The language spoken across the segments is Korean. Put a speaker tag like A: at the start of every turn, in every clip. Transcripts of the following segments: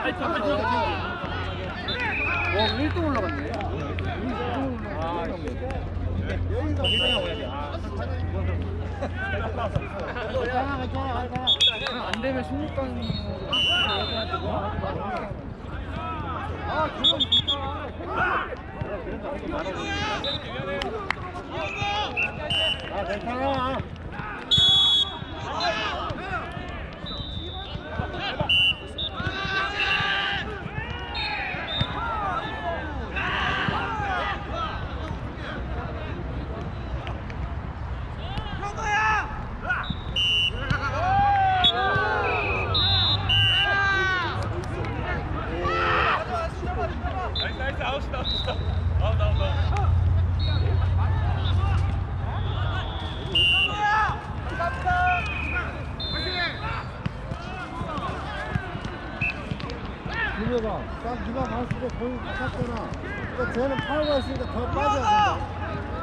A: 와, 1등 올라갔네. 안 되면 16강으로. 아, 조용 진짜. 아, 괜찮아. 민혁아, 딱 네가 봤을 때 거의 같았잖아. 그러니까 쟤는 파워가 있으니까 더 빠져야 된다.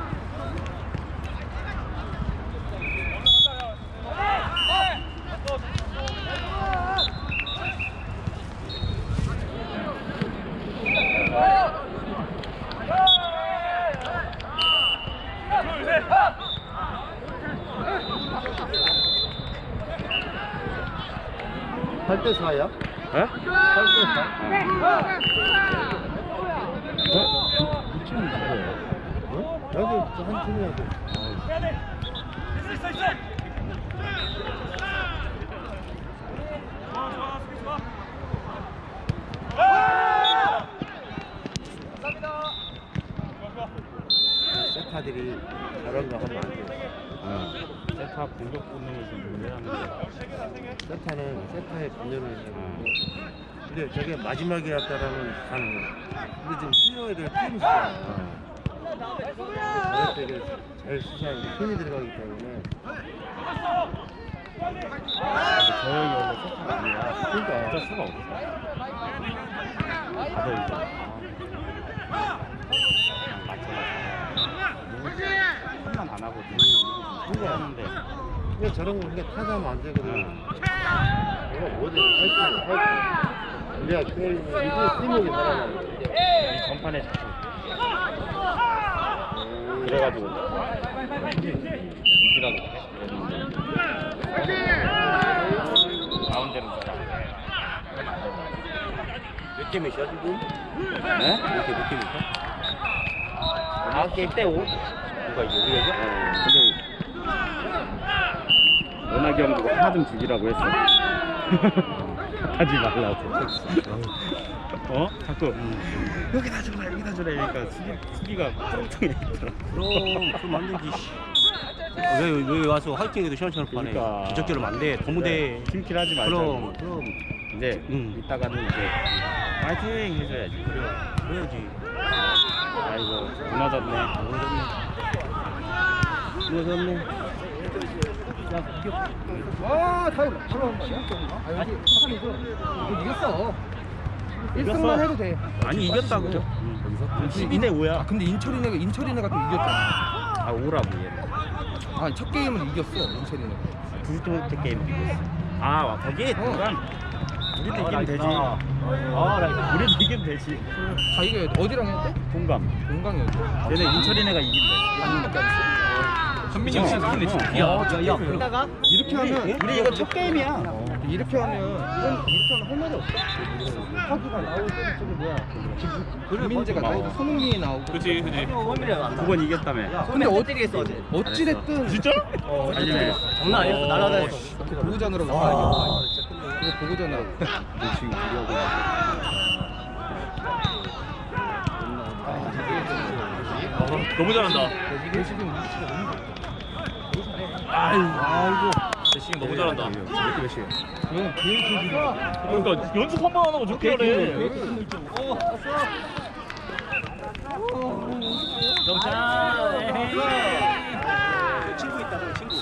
A: 팔 대 4야?
B: 에?
A: 8대 4? 이 팀이 누구야? 어? 여기 한 팀이야.
B: 세타들이 저런 거 하면 안 돼. 세타 공격 본능을 좀 유지하는데 세타는 세타의 본능을 유지하는데 근데 저게 마지막이었다라면 가능해. 근데 지금 수요일을 팀 수야. 저럴 때 제일 수사하는 게 힘이 들어가기 때문에 저 형이 원래 세타가 아니야. 그러니까 어쩔 수가 없어. 다들 이제 한만 안 하거든. 하는데 왜 저런 거 그게 타자면 안 되거든. 내가 뭐든 할줄 우리가 때리면 이게 팀목이 살아나는 거야. 이 전판에 잡혀. 그래가지고 이기라고 가운데는 몇 개 몇이야 지금? 네? 몇 개 몇이야? 9개 대 5? 누가 이겨? 우리가 이겨? 근데 연하기 형도 하나 좀 주기라고 했어. 하지 말라고. 어? 자꾸 여기다 줘라 여기다 줘라 이러니까 수비가 뚜렁뚜렁 있더라.
C: 그럼 안 되지. 왜 와서 화이팅해도 시원시원 파네.
B: 그러니까.
C: 기적대로 안 돼. 너무 돼.
B: 팀킬 하지 말자고.
C: 그럼.
B: 이제 이따가는 이제 파이팅 해줘야지.
C: 그래야지.
B: 아이고 무너졌네.
C: 무너졌네.
A: 와, 타임. 바로 11점인가? 아, 여기 3이죠? 이거 이겼어. 1승만 해도 돼.
C: 아니 이겼다고.
A: 여기서?
C: 12대 5야.
A: 아, 근데 인철이네가 또 이겼잖아.
B: 아 오라고 얘는.
A: 아, 첫 게임은 이겼어, 인철이네가.
B: 두 번째 게임 이겼어. 아 거기 동감. 우리도 이기면 되지. 우리도 이기면 되지.
A: 자, 이거 어디랑 했대?
B: 동감.
A: 동강이었죠.
B: 얘네 인철이네가 이긴대.
A: 한명밖에 안 했어.
C: 현민이 형 진짜 이기네 진짜. 야.
A: 그러다가 이렇게 하면
B: 우리 이거 첫 게임이야.
A: 이렇게 하면 할 말이 없어. 하기가 나오고 저기 뭐야? 김민재가 나오고 손흥민이 나오고.
C: 그렇지.
B: 9번 이겼다며.
A: 근데 어찌 됐든
C: 진짜?
B: 알리네.
C: 장난 아니었어. 날아다녔어.
A: 보고전으로 나와야 그거 보고전으로.
B: 지금 우리하고
C: 너무 잘한다.
A: 지금 위치가 너무 좋아.
C: 아이고. 대신 너무 잘한다.
B: 몇 시에?
A: 얘는 계획이
C: 그러니까 연습 한 번 안 하고 저렇게 하래.
A: 친구 있다고 친구.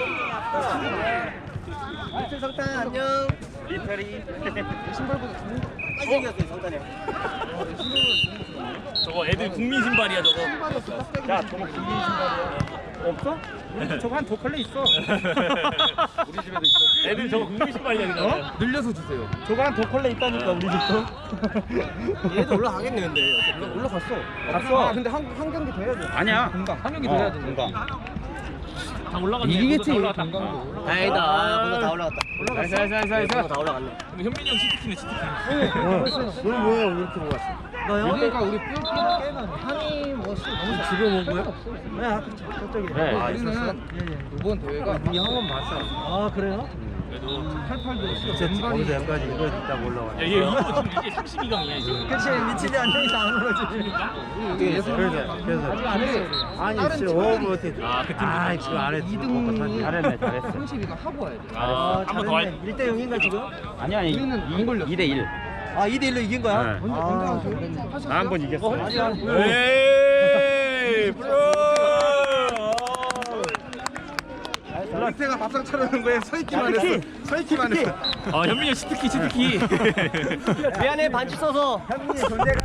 A: 리틀 성탄 안녕.
B: 리터리.
A: 신발보다 좋은 거 빨리 생겼어요 성탄이 형.
C: 저거 애들 국민 신발이야 저거.
A: 신발이었어.
B: 자, 저거 국민 신발이야.
A: 없어? 우리 집 저거 한 두 컬레 있어. 우리 집에도 있어.
C: 애들 저거 국민식 관리하니까.
A: 늘려서 주세요. 저거 한 두 컬레 있다니까 우리 집도.
C: 얘도 올라가겠네 근데.
A: 올라갔어.
C: 갔어?
A: 아, 근데 한 경기 더 해야 돼.
C: 아니야.
A: 금방 한 경기 더 해야 돼.
C: 금방.
D: 다 올라갔네.
A: 이기겠지.
D: 모두 다
A: 금방.
D: 올라갔다.
C: 다행이다.
E: 벌써 다 올라갔다.
C: 살살살살. 다 올라갔네.
D: 근데 현민이 형 치트키네 치트키.
B: 너 뭐야 이렇게 먹었어?
A: 그러니까 우리 뼈 깨나 한이 뭐 너무
B: 집에 먹은 거야?
A: 네, 그렇죠. 저쪽에.
C: 네.
A: 아, 우리는 이번 대회가 이 형은 봤어. 아, 그래요?
D: 그래도
A: 88도
B: 진짜 거기서 여기까지 이거 있다고 올라와.
D: 야, 얘 이거 지금 이게 32강이야 지금.
A: 그치, 미치지 않으니까 안 오르지.
B: 그래서
A: 아직 안 했어.
B: 아니
A: 다른
B: 진짜
A: 팀
B: 못해.
D: 아, 그 팀
B: 아 지금 안 했어.
A: 2등이
C: 잘했네, 잘했어.
A: 32가 하고 와야 돼.
D: 아, 한번 더 할.
A: 1대 0인가 지금?
C: 아니 아니.
A: 우리는 안 걸렸어.
C: 2대 1.
A: 아, 2대 1로 이긴 거야?
C: 네.
A: 언제 하셨어요?
C: 나 한 번 이겼어.
D: 에이, 프로.
A: 밑에가 밥상 차려는 거에 서 있기만 했어. 서 있기만 했어.
D: 현민이 형 치트키 치트키.
E: 미안해 반지 써서.
A: 현민이 존재가